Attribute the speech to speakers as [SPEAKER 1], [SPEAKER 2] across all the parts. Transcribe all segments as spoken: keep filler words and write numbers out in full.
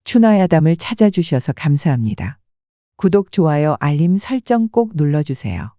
[SPEAKER 1] 추나야담을 찾아주셔서 감사합니다. 구독, 좋아요, 알림 설정 꼭 눌러주세요.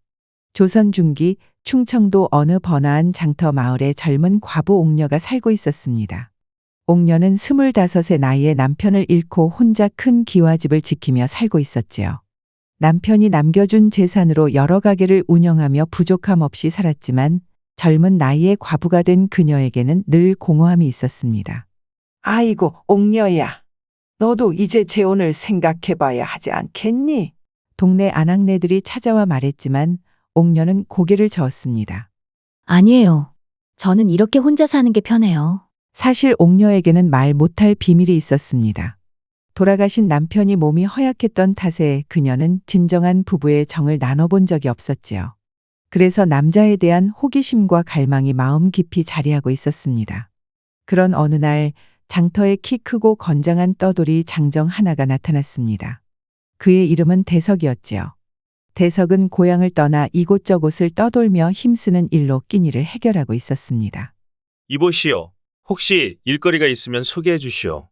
[SPEAKER 1] 조선 중기 충청도 어느 번화한 장터 마을에 젊은 과부 옥녀가 살고 있었습니다. 옥녀는 스물다섯의 나이에 남편을 잃고 혼자 큰 기와집을 지키며 살고 있었지요. 남편이 남겨준 재산으로 여러 가게를 운영하며 부족함 없이 살았지만 젊은 나이에 과부가 된 그녀에게는 늘 공허함이 있었습니다.
[SPEAKER 2] 아이고, 옥녀야. 너도 이제 재혼을 생각해봐야 하지 않겠니?
[SPEAKER 1] 동네 아낙네들이 찾아와 말했지만 옥녀는 고개를 저었습니다.
[SPEAKER 3] 아니에요. 저는 이렇게 혼자 사는 게 편해요.
[SPEAKER 1] 사실 옥녀에게는 말 못할 비밀이 있었습니다. 돌아가신 남편이 몸이 허약했던 탓에 그녀는 진정한 부부의 정을 나눠본 적이 없었지요. 그래서 남자에 대한 호기심과 갈망이 마음 깊이 자리하고 있었습니다. 그런 어느 날 장터에 키 크고 건장한 떠돌이 장정 하나가 나타났습니다. 그의 이름은 대석이었지요. 대석은 고향을 떠나 이곳저곳을 떠돌며 힘쓰는 일로 끼니를 해결하고 있었습니다.
[SPEAKER 4] 이보시오. 혹시 일거리가 있으면 소개해 주시오.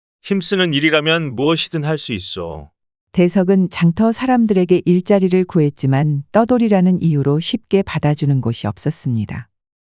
[SPEAKER 4] 힘쓰는 일이라면 무엇이든 할 수 있어.
[SPEAKER 1] 대석은 장터 사람들에게 일자리를 구했지만 떠돌이라는 이유로 쉽게 받아주는 곳이 없었습니다.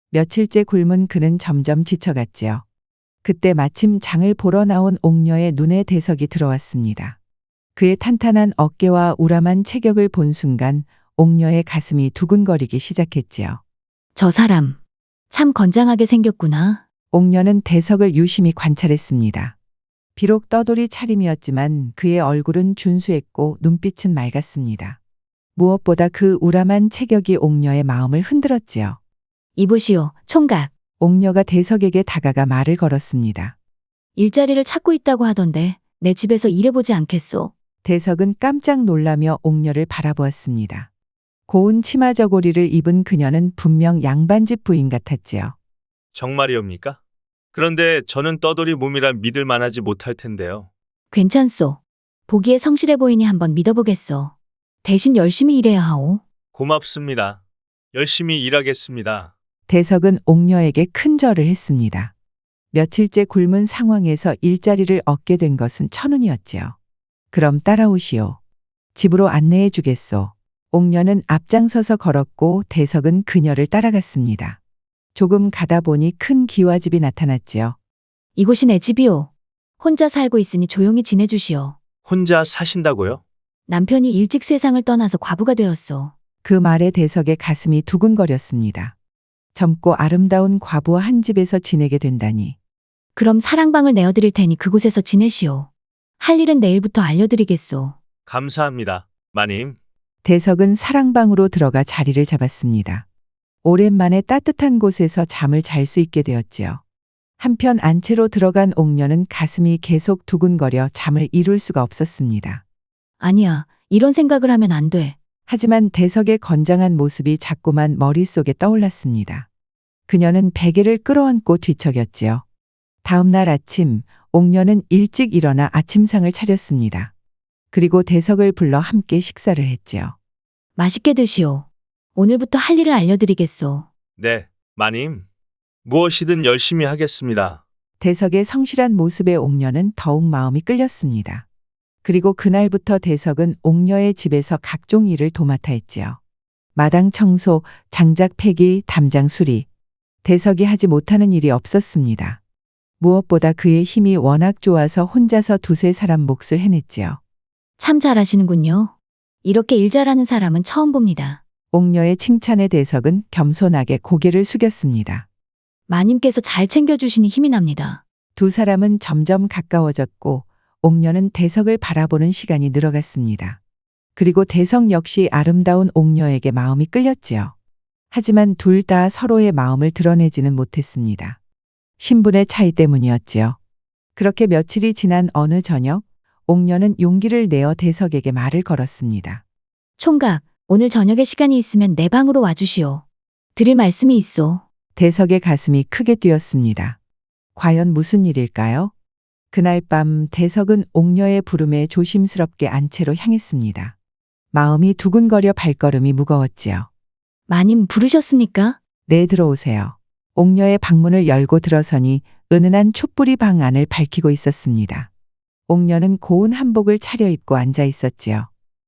[SPEAKER 1] 며칠째 굶은 그는 점점 지쳐갔지요. 그때 마침 장을 보러 나온 옥녀의 눈에 대석이 들어왔습니다. 그의 탄탄한 어깨와 우람한 체격을 본 순간 옥녀의 가슴이 두근거리기 시작했지요.
[SPEAKER 3] 저 사람, 참 건장하게 생겼구나.
[SPEAKER 1] 옥녀는 대석을 유심히 관찰했습니다. 비록 떠돌이 차림이었지만 그의 얼굴은 준수했고 눈빛은 맑았습니다. 무엇보다 그 우람한 체격이 옥녀의 마음을 흔들었지요.
[SPEAKER 3] 이보시오, 총각.
[SPEAKER 1] 옥녀가 대석에게 다가가 말을 걸었습니다.
[SPEAKER 3] 일자리를 찾고 있다고 하던데 내 집에서 일해보지 않겠소?
[SPEAKER 1] 대석은 깜짝 놀라며 옥녀를 바라보았습니다. 고운 치마 저고리를 입은 그녀는 분명 양반집 부인 같았지요.
[SPEAKER 4] 정말이옵니까? 그런데 저는 떠돌이 몸이라 믿을 만하지 못할 텐데요.
[SPEAKER 3] 괜찮소. 보기에 성실해 보이니 한번 믿어보겠소. 대신 열심히 일해야 하오.
[SPEAKER 4] 고맙습니다. 열심히 일하겠습니다.
[SPEAKER 1] 대석은 옥녀에게 큰 절을 했습니다. 며칠째 굶은 상황에서 일자리를 얻게 된 것은 천운이었지요. 그럼 따라오시오. 집으로 안내해 주겠소. 옥녀는 앞장서서 걸었고 대석은 그녀를 따라갔습니다. 조금 가다 보니 큰 기와집이 나타났지요.
[SPEAKER 3] 이곳이 내 집이오. 혼자 살고 있으니 조용히 지내주시오.
[SPEAKER 4] 혼자 사신다고요?
[SPEAKER 3] 남편이 일찍 세상을 떠나서 과부가 되었소.
[SPEAKER 1] 그 말에 대석의 가슴이 두근거렸습니다. 젊고 아름다운 과부와 한 집에서 지내게 된다니.
[SPEAKER 3] 그럼 사랑방을 내어드릴 테니 그곳에서 지내시오. 할 일은 내일부터 알려드리겠소.
[SPEAKER 4] 감사합니다, 마님.
[SPEAKER 1] 대석은 사랑방으로 들어가 자리를 잡았습니다. 오랜만에 따뜻한 곳에서 잠을 잘 수 있게 되었지요. 한편 안채로 들어간 옥녀는 가슴이 계속 두근거려 잠을 이룰 수가 없었습니다.
[SPEAKER 3] 아니야, 이런 생각을 하면 안 돼.
[SPEAKER 1] 하지만 대석의 건장한 모습이 자꾸만 머릿속에 떠올랐습니다. 그녀는 베개를 끌어안고 뒤척였지요. 다음 날 아침, 옥녀는 일찍 일어나 아침상을 차렸습니다. 그리고 대석을 불러 함께 식사를 했지요.
[SPEAKER 3] 맛있게 드시오. 오늘부터 할 일을 알려드리겠소.
[SPEAKER 4] 네, 마님. 무엇이든 열심히 하겠습니다.
[SPEAKER 1] 대석의 성실한 모습에 옥녀는 더욱 마음이 끌렸습니다. 그리고 그날부터 대석은 옥녀의 집에서 각종 일을 도맡아 했지요. 마당 청소, 장작 패기, 담장 수리. 대석이 하지 못하는 일이 없었습니다. 무엇보다 그의 힘이 워낙 좋아서 혼자서 두세 사람 몫을 해냈지요.
[SPEAKER 3] 참 잘하시는군요. 이렇게 일 잘하는 사람은 처음 봅니다.
[SPEAKER 1] 옥녀의 칭찬에 대석은 겸손하게 고개를 숙였습니다.
[SPEAKER 3] 마님께서 잘 챙겨주시니 힘이 납니다.
[SPEAKER 1] 두 사람은 점점 가까워졌고 옥녀는 대석을 바라보는 시간이 늘어갔습니다. 그리고 대석 역시 아름다운 옥녀에게 마음이 끌렸지요. 하지만 둘 다 서로의 마음을 드러내지는 못했습니다. 신분의 차이 때문이었지요. 그렇게 며칠이 지난 어느 저녁, 옥녀는 용기를 내어 대석에게 말을 걸었습니다.
[SPEAKER 3] 총각, 오늘 저녁에 시간이 있으면 내 방으로 와주시오. 드릴 말씀이 있소.
[SPEAKER 1] 대석의 가슴이 크게 뛰었습니다. 과연 무슨 일일까요? 그날 밤 대석은 옥녀의 부름에 조심스럽게 안채로 향했습니다. 마음이 두근거려 발걸음이 무거웠지요.
[SPEAKER 3] 마님 부르셨습니까?
[SPEAKER 1] 네, 들어오세요. 옥녀의 방문을 열고 들어서니 은은한 촛불이 방 안을 밝히고 있었습니다. 옥녀는 고운 한복을 차려입고 앉아 있었지요.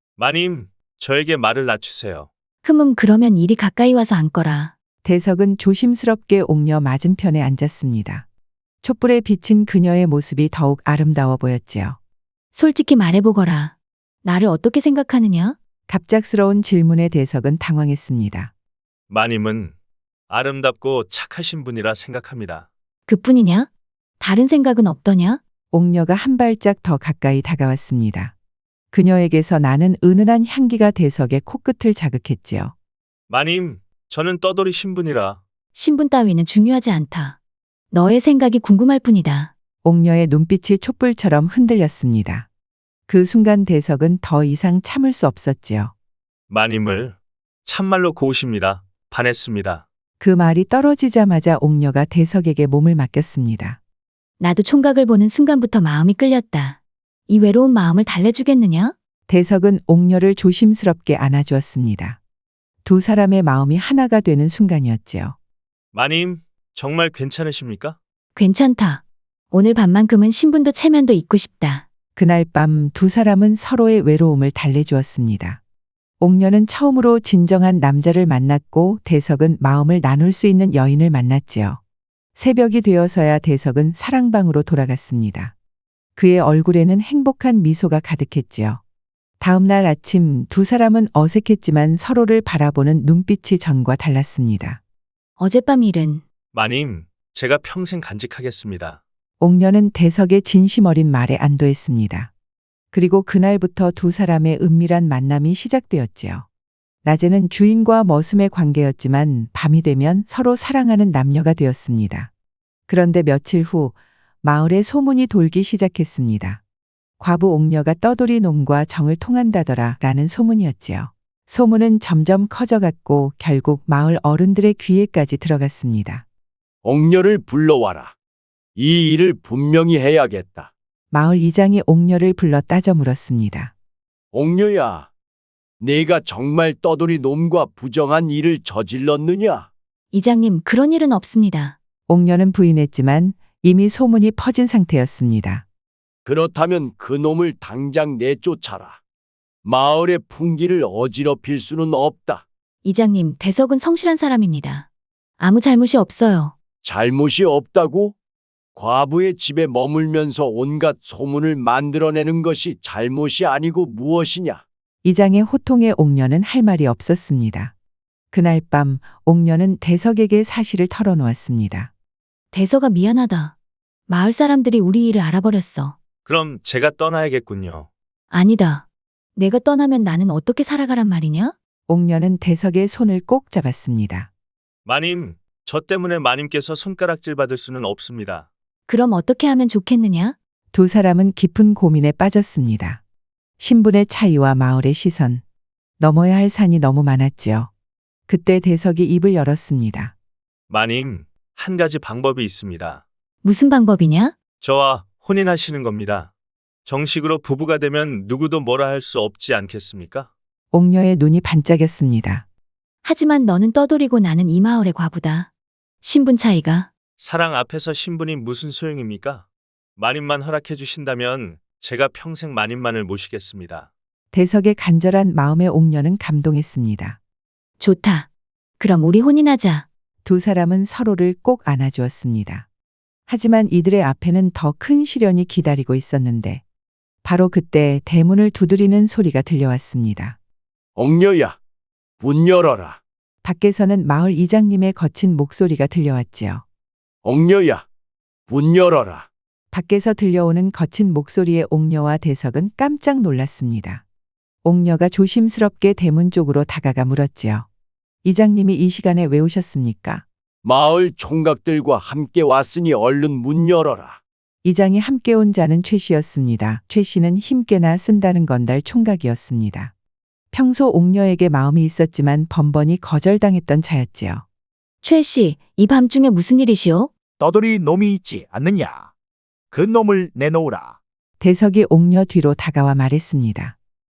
[SPEAKER 4] 마님, 저에게 말을 낮추세요.
[SPEAKER 3] 흠음 그러면 이리 가까이 와서 앉거라.
[SPEAKER 1] 대석은 조심스럽게 옥녀 맞은편에 앉았습니다. 촛불에 비친 그녀의 모습이 더욱 아름다워 보였지요.
[SPEAKER 3] 솔직히 말해보거라. 나를 어떻게 생각하느냐?
[SPEAKER 1] 갑작스러운 질문에 대석은 당황했습니다.
[SPEAKER 4] 마님은 아름답고 착하신 분이라 생각합니다.
[SPEAKER 3] 그뿐이냐? 다른 생각은 없더냐?
[SPEAKER 1] 옥녀가 한 발짝 더 가까이 다가왔습니다. 그녀에게서 나는 은은한 향기가 대석의 코끝을 자극했지요.
[SPEAKER 4] 마님, 저는 떠돌이 신분이라.
[SPEAKER 3] 신분 따위는 중요하지 않다. 너의 생각이 궁금할 뿐이다.
[SPEAKER 1] 옥녀의 눈빛이 촛불처럼 흔들렸습니다. 그 순간 대석은 더 이상 참을 수 없었지요.
[SPEAKER 4] 마님을 참말로 고우십니다. 반했습니다.
[SPEAKER 1] 그 말이 떨어지자마자 옥녀가 대석에게 몸을 맡겼습니다.
[SPEAKER 3] 나도 총각을 보는 순간부터 마음이 끌렸다. 이 외로운 마음을 달래주겠느냐?
[SPEAKER 1] 대석은 옥녀를 조심스럽게 안아주었습니다. 두 사람의 마음이 하나가 되는 순간이었지요.
[SPEAKER 4] 마님, 정말 괜찮으십니까?
[SPEAKER 3] 괜찮다. 오늘 밤만큼은 신분도 체면도 잊고 싶다.
[SPEAKER 1] 그날 밤 두 사람은 서로의 외로움을 달래주었습니다. 옥녀는 처음으로 진정한 남자를 만났고 대석은 마음을 나눌 수 있는 여인을 만났지요. 새벽이 되어서야 대석은 사랑방으로 돌아갔습니다. 그의 얼굴에는 행복한 미소가 가득했지요. 다음 날 아침 두 사람은 어색했지만 서로를 바라보는 눈빛이 전과 달랐습니다.
[SPEAKER 3] 어젯밤 일은
[SPEAKER 4] 마님, 제가 평생 간직하겠습니다.
[SPEAKER 1] 옥녀는 대석의 진심 어린 말에 안도했습니다. 그리고 그날부터 두 사람의 은밀한 만남이 시작되었지요. 낮에는 주인과 머슴의 관계였지만 밤이 되면 서로 사랑하는 남녀가 되었습니다. 그런데 며칠 후 마을에 소문이 돌기 시작했습니다. 과부 옥녀가 떠돌이 놈과 정을 통한다더라 라는 소문이었지요. 소문은 점점 커져갔고 결국 마을 어른들의 귀에까지 들어갔습니다.
[SPEAKER 5] 옥녀를 불러와라. 이 일을 분명히 해야겠다.
[SPEAKER 1] 마을 이장이 옥녀를 불러 따져 물었습니다.
[SPEAKER 5] 옥녀야, 네가 정말 떠돌이 놈과 부정한 일을 저질렀느냐?
[SPEAKER 3] 이장님 그런 일은 없습니다.
[SPEAKER 1] 옥녀는 부인했지만 이미 소문이 퍼진 상태였습니다.
[SPEAKER 5] 그렇다면 그 놈을 당장 내쫓아라. 마을의 풍기를 어지럽힐 수는 없다.
[SPEAKER 3] 이장님 대석은 성실한 사람입니다. 아무 잘못이 없어요.
[SPEAKER 5] 잘못이 없다고? 과부의 집에 머물면서 온갖 소문을 만들어내는 것이 잘못이 아니고 무엇이냐?
[SPEAKER 1] 이장의 호통에 옥녀는 할 말이 없었습니다. 그날 밤 옥녀는 대석에게 사실을 털어놓았습니다.
[SPEAKER 3] 대석아 미안하다. 마을 사람들이 우리 일을 알아버렸어.
[SPEAKER 4] 그럼 제가 떠나야겠군요.
[SPEAKER 3] 아니다. 내가 떠나면 나는 어떻게 살아가란 말이냐?
[SPEAKER 1] 옥녀는 대석의 손을 꼭 잡았습니다.
[SPEAKER 4] 마님, 저 때문에 마님께서 손가락질 받을 수는 없습니다.
[SPEAKER 3] 그럼 어떻게 하면 좋겠느냐?
[SPEAKER 1] 두 사람은 깊은 고민에 빠졌습니다. 신분의 차이와 마을의 시선, 넘어야 할 산이 너무 많았지요. 그때 대석이 입을 열었습니다.
[SPEAKER 4] 마님, 한 가지 방법이 있습니다.
[SPEAKER 3] 무슨 방법이냐?
[SPEAKER 4] 저와 혼인하시는 겁니다. 정식으로 부부가 되면 누구도 뭐라 할 수 없지 않겠습니까?
[SPEAKER 1] 옥녀의 눈이 반짝였습니다.
[SPEAKER 3] 하지만 너는 떠돌이고 나는 이 마을의 과부다. 신분 차이가.
[SPEAKER 4] 사랑 앞에서 신분이 무슨 소용입니까? 마님만 허락해 주신다면 제가 평생 마님만을 모시겠습니다.
[SPEAKER 1] 대석의 간절한 마음에 옥녀는 감동했습니다.
[SPEAKER 3] 좋다. 그럼 우리 혼인하자.
[SPEAKER 1] 두 사람은 서로를 꼭 안아주었습니다. 하지만 이들의 앞에는 더 큰 시련이 기다리고 있었는데 바로 그때 대문을 두드리는 소리가 들려왔습니다.
[SPEAKER 5] 옥녀야, 문 열어라.
[SPEAKER 1] 밖에서는 마을 이장님의 거친 목소리가 들려왔지요.
[SPEAKER 5] 옥녀야, 문 열어라.
[SPEAKER 1] 밖에서 들려오는 거친 목소리에 옥녀와 대석은 깜짝 놀랐습니다. 옥녀가 조심스럽게 대문 쪽으로 다가가 물었지요. 이장님이 이 시간에 왜 오셨습니까?
[SPEAKER 5] 마을 총각들과 함께 왔으니 얼른 문 열어라.
[SPEAKER 1] 이장이 함께 온 자는 최 씨였습니다. 최 씨는 힘께나 쓴다는 건달 총각이었습니다. 평소 옥녀에게 마음이 있었지만 번번이 거절당했던 자였지요.
[SPEAKER 3] 최 씨, 이 밤중에 무슨 일이시오?
[SPEAKER 6] 떠돌이 놈이 있지 않느냐? 그 놈을 내놓으라.
[SPEAKER 1] 대석이 옥녀 뒤로 다가와 말했습니다.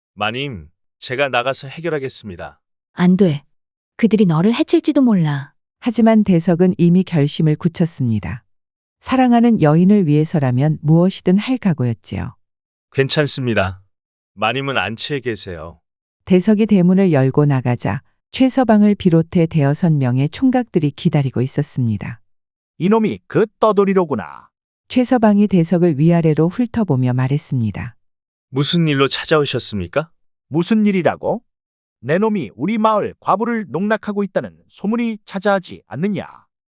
[SPEAKER 4] 마님, 제가 나가서 해결하겠습니다.
[SPEAKER 3] 안 돼. 그들이 너를 해칠지도 몰라.
[SPEAKER 1] 하지만 대석은 이미 결심을 굳혔습니다. 사랑하는 여인을 위해서라면 무엇이든 할 각오였지요.
[SPEAKER 4] 괜찮습니다. 마님은 안치에 계세요.
[SPEAKER 1] 대석이 대문을 열고 나가자 최서방을 비롯해 대여섯 명의 총각들이 기다리고 있었습니다.
[SPEAKER 6] 이놈이 그 떠돌이로구나.
[SPEAKER 1] 최서방이 대석을 위아래로 훑어보며 말했습니다.
[SPEAKER 4] 무슨 일로 찾아오셨습니까?
[SPEAKER 6] 무슨 일이라고? 내 놈이 우리 마을 과부를 농락하고 있다는 소문이 찾아하지 않느냐.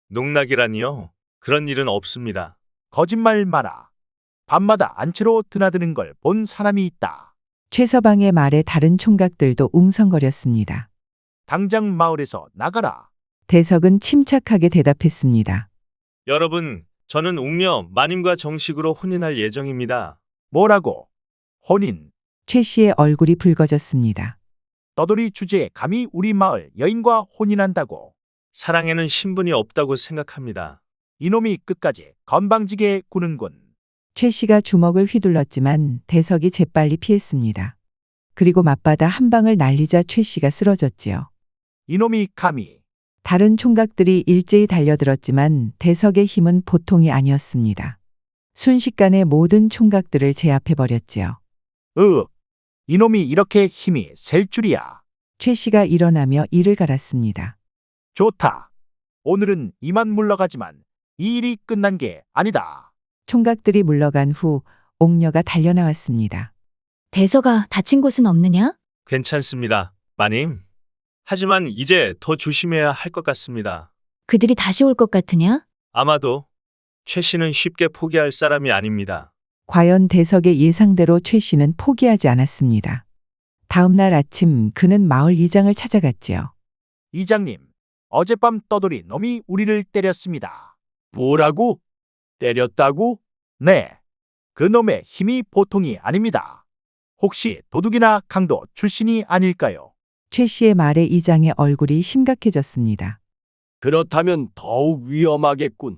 [SPEAKER 4] 농락이라니요? 그런 일은 없습니다.
[SPEAKER 6] 거짓말 마라. 밤마다 안채로 드나드는 걸 본 사람이 있다.
[SPEAKER 1] 최서방의 말에 다른 총각들도 웅성거렸습니다.
[SPEAKER 6] 당장 마을에서 나가라.
[SPEAKER 1] 대석은 침착하게 대답했습니다.
[SPEAKER 4] 여러분, 저는 옥녀 마님과 정식으로 혼인할 예정입니다.
[SPEAKER 6] 뭐라고? 혼인.
[SPEAKER 1] 최 씨의 얼굴이 붉어졌습니다.
[SPEAKER 6] 떠돌이 주제에 감히 우리 마을 여인과 혼인한다고.
[SPEAKER 4] 사랑에는 신분이 없다고 생각합니다.
[SPEAKER 6] 이놈이 끝까지 건방지게 구는군.
[SPEAKER 1] 최 씨가 주먹을 휘둘렀지만 대석이 재빨리 피했습니다. 그리고 맞받아 한 방을 날리자 최 씨가 쓰러졌지요.
[SPEAKER 6] 이놈이 감히.
[SPEAKER 1] 다른 총각들이 일제히 달려들었지만 대석의 힘은 보통이 아니었습니다. 순식간에 모든 총각들을 제압해버렸지요.
[SPEAKER 6] 으. 이놈이 이렇게 힘이 셀 줄이야.
[SPEAKER 1] 최 씨가 일어나며 이를 갈았습니다.
[SPEAKER 6] 좋다. 오늘은 이만 물러가지만 이 일이 끝난 게 아니다.
[SPEAKER 1] 총각들이 물러간 후 옥녀가 달려나왔습니다.
[SPEAKER 3] 대서가 다친 곳은 없느냐?
[SPEAKER 4] 괜찮습니다, 마님. 하지만 이제 더 조심해야 할 것 같습니다.
[SPEAKER 3] 그들이 다시 올 것 같으냐?
[SPEAKER 4] 아마도 최 씨는 쉽게 포기할 사람이 아닙니다.
[SPEAKER 1] 과연 대석의 예상대로 최 씨는 포기하지 않았습니다. 다음 날 아침 그는 마을 이장을 찾아갔지요.
[SPEAKER 6] 이장님, 어젯밤 떠돌이 놈이 우리를 때렸습니다.
[SPEAKER 5] 뭐라고? 때렸다고?
[SPEAKER 6] 네. 그 놈의 힘이 보통이 아닙니다. 혹시 도둑이나 강도 출신이 아닐까요?
[SPEAKER 1] 최 씨의 말에 이장의 얼굴이 심각해졌습니다.
[SPEAKER 5] 그렇다면 더욱 위험하겠군.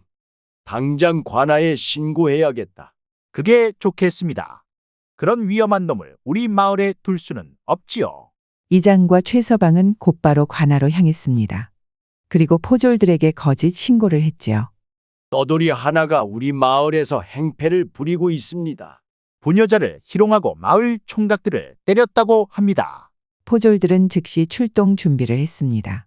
[SPEAKER 5] 당장 관아에 신고해야겠다.
[SPEAKER 6] 그게 좋겠습니다. 그런 위험한 놈을 우리 마을에 둘 수는 없지요.
[SPEAKER 1] 이장과 최서방은 곧바로 관아로 향했습니다. 그리고 포졸들에게 거짓 신고를 했지요.
[SPEAKER 5] 떠돌이 하나가 우리 마을에서 행패를 부리고 있습니다.
[SPEAKER 6] 부녀자를 희롱하고 마을 총각들을 때렸다고 합니다.
[SPEAKER 1] 포졸들은 즉시 출동 준비를 했습니다.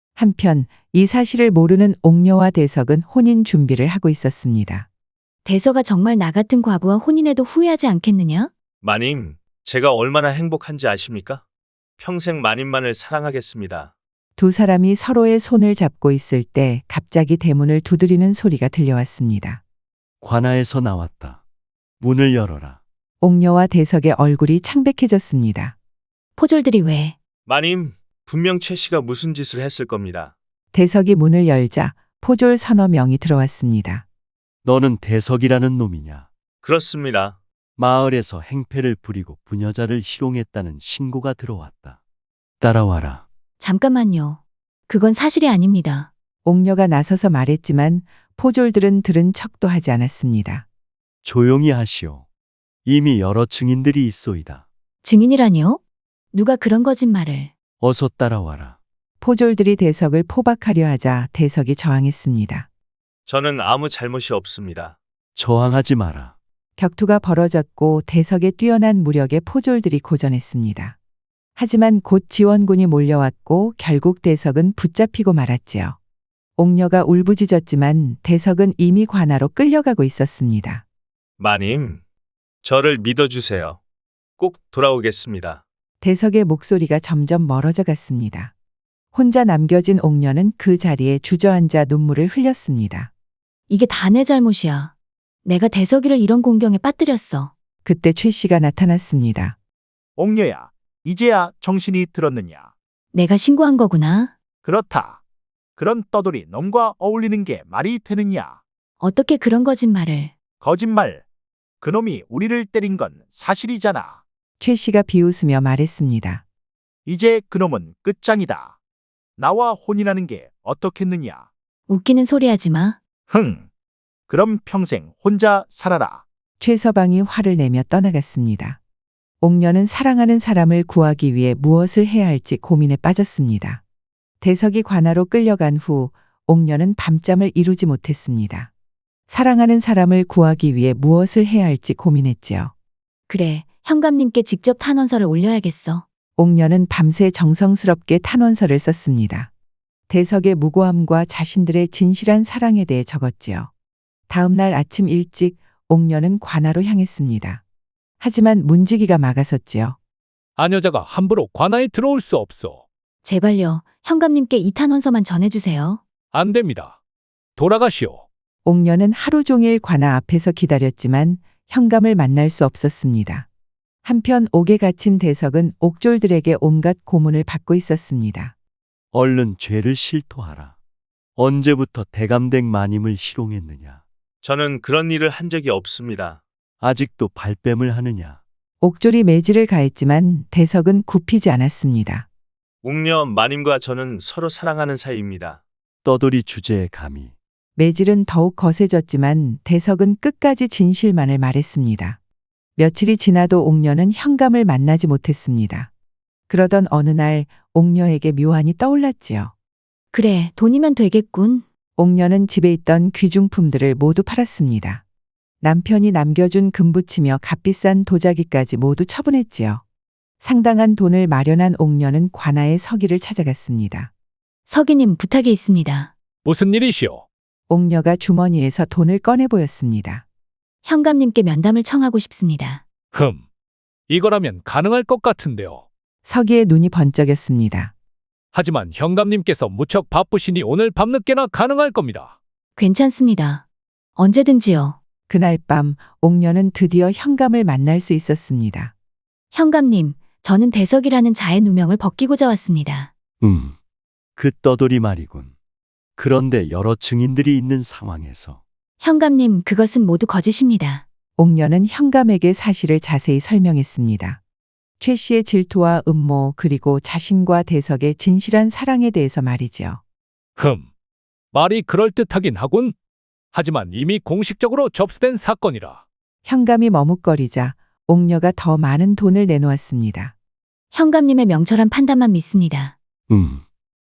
[SPEAKER 1] 한편 이 사실을 모르는 옥녀와 대석은 혼인 준비를 하고 있었습니다.
[SPEAKER 3] 대서가 정말 나 같은 과부와 혼인해도 후회하지 않겠느냐?
[SPEAKER 4] 마님, 제가 얼마나 행복한지 아십니까? 평생 마님만을 사랑하겠습니다.
[SPEAKER 1] 두 사람이 서로의 손을 잡고 있을 때 갑자기 대문을 두드리는 소리가 들려왔습니다.
[SPEAKER 7] 관아에서 나왔다. 문을 열어라.
[SPEAKER 1] 옥녀와 대석의 얼굴이 창백해졌습니다.
[SPEAKER 3] 포졸들이 왜?
[SPEAKER 4] 마님, 분명 최 씨가 무슨 짓을 했을 겁니다.
[SPEAKER 1] 대석이 문을 열자 포졸 서너 명이 들어왔습니다.
[SPEAKER 7] 너는 대석이라는 놈이냐?
[SPEAKER 4] 그렇습니다.
[SPEAKER 7] 마을에서 행패를 부리고 부녀자를 희롱했다는 신고가 들어왔다. 따라와라.
[SPEAKER 3] 잠깐만요. 그건 사실이 아닙니다.
[SPEAKER 1] 옥녀가 나서서 말했지만 포졸들은 들은 척도 하지 않았습니다.
[SPEAKER 7] 조용히 하시오. 이미 여러 증인들이 있소이다.
[SPEAKER 3] 증인이라니요? 누가 그런 거짓말을?
[SPEAKER 7] 어서 따라와라.
[SPEAKER 1] 포졸들이 대석을 포박하려 하자 대석이 저항했습니다.
[SPEAKER 4] 저는 아무 잘못이 없습니다.
[SPEAKER 7] 저항하지 마라.
[SPEAKER 1] 격투가 벌어졌고 대석의 뛰어난 무력에 포졸들이 고전했습니다. 하지만 곧 지원군이 몰려왔고 결국 대석은 붙잡히고 말았지요. 옥녀가 울부짖었지만 대석은 이미 관아로 끌려가고 있었습니다.
[SPEAKER 4] 마님, 저를 믿어주세요. 꼭 돌아오겠습니다.
[SPEAKER 1] 대석의 목소리가 점점 멀어져 갔습니다. 혼자 남겨진 옥녀는 그 자리에 주저앉아 눈물을 흘렸습니다.
[SPEAKER 3] 이게 다 내 잘못이야. 내가 대석이를 이런 공경에 빠뜨렸어.
[SPEAKER 1] 그때 최 씨가 나타났습니다.
[SPEAKER 6] 옥녀야, 이제야 정신이 들었느냐?
[SPEAKER 3] 내가 신고한 거구나.
[SPEAKER 6] 그렇다. 그런 떠돌이 놈과 어울리는 게 말이 되느냐?
[SPEAKER 3] 어떻게 그런 거짓말을?
[SPEAKER 6] 거짓말. 그놈이 우리를 때린 건 사실이잖아.
[SPEAKER 1] 최 씨가 비웃으며 말했습니다.
[SPEAKER 6] 이제 그놈은 끝장이다. 나와 혼인하는 게 어떻겠느냐?
[SPEAKER 3] 웃기는 소리 하지 마.
[SPEAKER 6] 흥. 그럼 평생 혼자 살아라.
[SPEAKER 1] 최서방이 화를 내며 떠나갔습니다. 옥녀는 사랑하는 사람을 구하기 위해 무엇을 해야 할지 고민에 빠졌습니다. 대석이 관아로 끌려간 후 옥녀는 밤잠을 이루지 못했습니다. 사랑하는 사람을 구하기 위해 무엇을 해야 할지 고민했지요.
[SPEAKER 3] 그래, 현감님께 직접 탄원서를 올려야겠어.
[SPEAKER 1] 옥녀는 밤새 정성스럽게 탄원서를 썼습니다. 대석의 무고함과 자신들의 진실한 사랑에 대해 적었지요. 다음 날 아침 일찍 옥녀는 관아로 향했습니다. 하지만 문지기가 막아섰지요.
[SPEAKER 8] 아녀자가 함부로 관아에 들어올 수 없소.
[SPEAKER 3] 제발요, 현감님께 이 탄원서만 전해주세요.
[SPEAKER 8] 안 됩니다. 돌아가시오.
[SPEAKER 1] 옥녀는 하루 종일 관아 앞에서 기다렸지만 현감을 만날 수 없었습니다. 한편 옥에 갇힌 대석은 옥졸들에게 온갖 고문을 받고 있었습니다.
[SPEAKER 7] 얼른 죄를 실토하라. 언제부터 대감댁 마님을 희롱했느냐.
[SPEAKER 4] 저는 그런 일을 한 적이 없습니다.
[SPEAKER 7] 아직도 발뺌을 하느냐.
[SPEAKER 1] 옥졸이 매질을 가했지만 대석은 굽히지 않았습니다.
[SPEAKER 4] 옥녀 마님과 저는 서로 사랑하는 사이입니다.
[SPEAKER 7] 떠돌이 주제에 감히.
[SPEAKER 1] 매질은 더욱 거세졌지만 대석은 끝까지 진실만을 말했습니다. 며칠이 지나도 옥녀는 현감을 만나지 못했습니다. 그러던 어느 날 옥녀에게 묘안이 떠올랐지요.
[SPEAKER 3] 그래, 돈이면 되겠군.
[SPEAKER 1] 옥녀는 집에 있던 귀중품들을 모두 팔았습니다. 남편이 남겨준 금붙이며 값비싼 도자기까지 모두 처분했지요. 상당한 돈을 마련한 옥녀는 관아의 서기를 찾아갔습니다.
[SPEAKER 3] 서기님, 부탁이 있습니다.
[SPEAKER 8] 무슨 일이시오?
[SPEAKER 1] 옥녀가 주머니에서 돈을 꺼내 보였습니다.
[SPEAKER 3] 현감님께 면담을 청하고 싶습니다.
[SPEAKER 8] 흠. 이거라면 가능할 것 같은데요.
[SPEAKER 1] 서기의 눈이 번쩍였습니다.
[SPEAKER 8] 하지만 현감님께서 무척 바쁘시니 오늘 밤늦게나 가능할 겁니다.
[SPEAKER 3] 괜찮습니다. 언제든지요.
[SPEAKER 1] 그날 밤 옥녀는 드디어 현감을 만날 수 있었습니다.
[SPEAKER 3] 현감님, 저는 대석이라는 자의 누명을 벗기고자 왔습니다.
[SPEAKER 7] 음. 그 떠돌이 말이군. 그런데 여러 증인들이 있는 상황에서
[SPEAKER 3] 현감님, 그것은 모두 거짓입니다.
[SPEAKER 1] 옥녀는 현감에게 사실을 자세히 설명했습니다. 최 씨의 질투와 음모 그리고 자신과 대석의 진실한 사랑에 대해서 말이지요.
[SPEAKER 8] 흠. 말이 그럴듯하긴 하군. 하지만 이미 공식적으로 접수된 사건이라.
[SPEAKER 1] 현감이 머뭇거리자 옥녀가 더 많은 돈을 내놓았습니다.
[SPEAKER 3] 현감님의 명철한 판단만 믿습니다.
[SPEAKER 7] 음.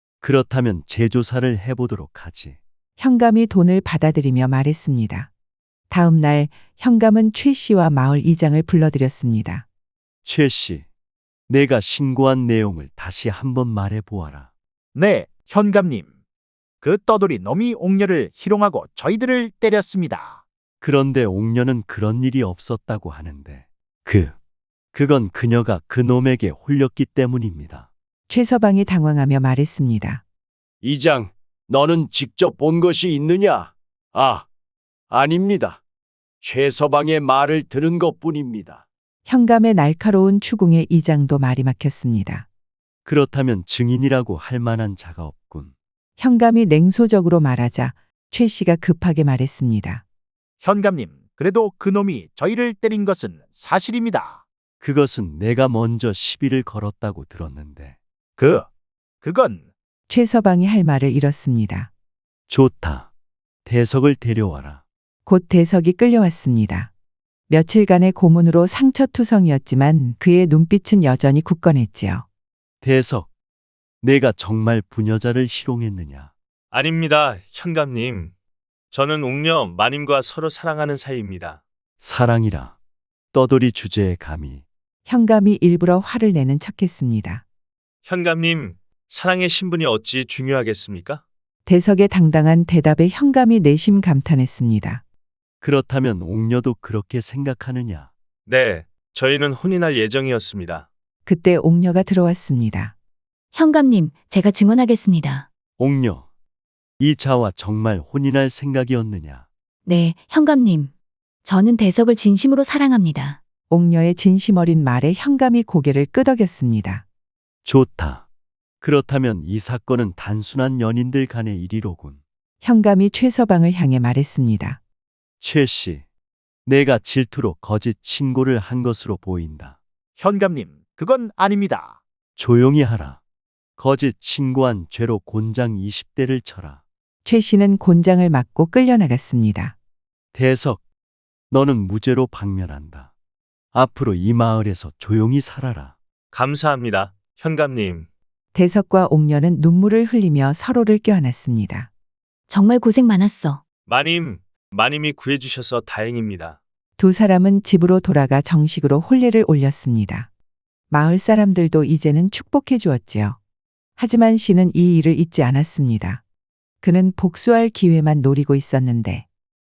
[SPEAKER 7] 그렇다면 재조사를 해보도록 하지.
[SPEAKER 1] 현감이 돈을 받아들이며 말했습니다. 다음 날 현감은 최 씨와 마을 이장을 불러들였습니다.
[SPEAKER 7] 최 씨, 내가 신고한 내용을 다시 한번 말해 보아라.
[SPEAKER 6] 네, 현감님. 그 떠돌이 놈이 옥녀를 희롱하고 저희들을 때렸습니다.
[SPEAKER 7] 그런데 옥녀는 그런 일이 없었다고 하는데 그, 그건 그녀가 그 놈에게 홀렸기 때문입니다.
[SPEAKER 1] 최서방이 당황하며 말했습니다.
[SPEAKER 5] 이장, 너는 직접 본 것이 있느냐? 아, 아닙니다. 최서방의 말을 들은 것뿐입니다.
[SPEAKER 1] 현감의 날카로운 추궁에 이장도 말이 막혔습니다.
[SPEAKER 7] 그렇다면 증인이라고 할 만한 자가 없군.
[SPEAKER 1] 현감이 냉소적으로 말하자 최 씨가 급하게 말했습니다.
[SPEAKER 6] 현감님, 그래도 그 놈이 저희를 때린 것은 사실입니다.
[SPEAKER 7] 그것은 내가 먼저 시비를 걸었다고 들었는데.
[SPEAKER 6] 그, 그건
[SPEAKER 1] 최서방이 할 말을 잃었습니다.
[SPEAKER 7] 좋다. 대석을 데려와라.
[SPEAKER 1] 곧 대석이 끌려왔습니다. 며칠간의 고문으로 상처투성이었지만 그의 눈빛은 여전히 굳건했지요.
[SPEAKER 7] 대석, 내가 정말 부녀자를 희롱했느냐?
[SPEAKER 4] 아닙니다, 현감님. 저는 옥녀 마님과 서로 사랑하는 사이입니다.
[SPEAKER 7] 사랑이라. 떠돌이 주제에 감히.
[SPEAKER 1] 현감이 일부러 화를 내는 척했습니다.
[SPEAKER 4] 현감님, 사랑의 신분이 어찌 중요하겠습니까?
[SPEAKER 1] 대석의 당당한 대답에 현감이 내심 감탄했습니다.
[SPEAKER 7] 그렇다면 옥녀도 그렇게 생각하느냐?
[SPEAKER 4] 네, 저희는 혼인할 예정이었습니다.
[SPEAKER 1] 그때 옥녀가 들어왔습니다.
[SPEAKER 3] 현감님, 제가 증언하겠습니다.
[SPEAKER 7] 옥녀, 이 자와 정말 혼인할 생각이었느냐?
[SPEAKER 3] 네, 현감님. 저는 대석을 진심으로 사랑합니다.
[SPEAKER 1] 옥녀의 진심 어린 말에 현감이 고개를 끄덕였습니다.
[SPEAKER 7] 좋다. 그렇다면 이 사건은 단순한 연인들 간의 일이로군.
[SPEAKER 1] 현감이 최서방을 향해 말했습니다.
[SPEAKER 7] 최 씨, 내가 질투로 거짓 신고를 한 것으로 보인다.
[SPEAKER 6] 현감님, 그건 아닙니다.
[SPEAKER 7] 조용히 하라. 거짓 신고한 죄로 곤장 이십 대를 쳐라.
[SPEAKER 1] 최 씨는 곤장을 맞고 끌려나갔습니다.
[SPEAKER 7] 대석, 너는 무죄로 박멸한다. 앞으로 이 마을에서 조용히 살아라.
[SPEAKER 4] 감사합니다, 현감님.
[SPEAKER 1] 대석과 옥녀는 눈물을 흘리며 서로를 껴안았습니다.
[SPEAKER 3] 정말 고생 많았어.
[SPEAKER 4] 마님, 마님이 구해주셔서 다행입니다.
[SPEAKER 1] 두 사람은 집으로 돌아가 정식으로 혼례를 올렸습니다. 마을 사람들도 이제는 축복해 주었지요. 하지만 씨는 이 일을 잊지 않았습니다. 그는 복수할 기회만 노리고 있었는데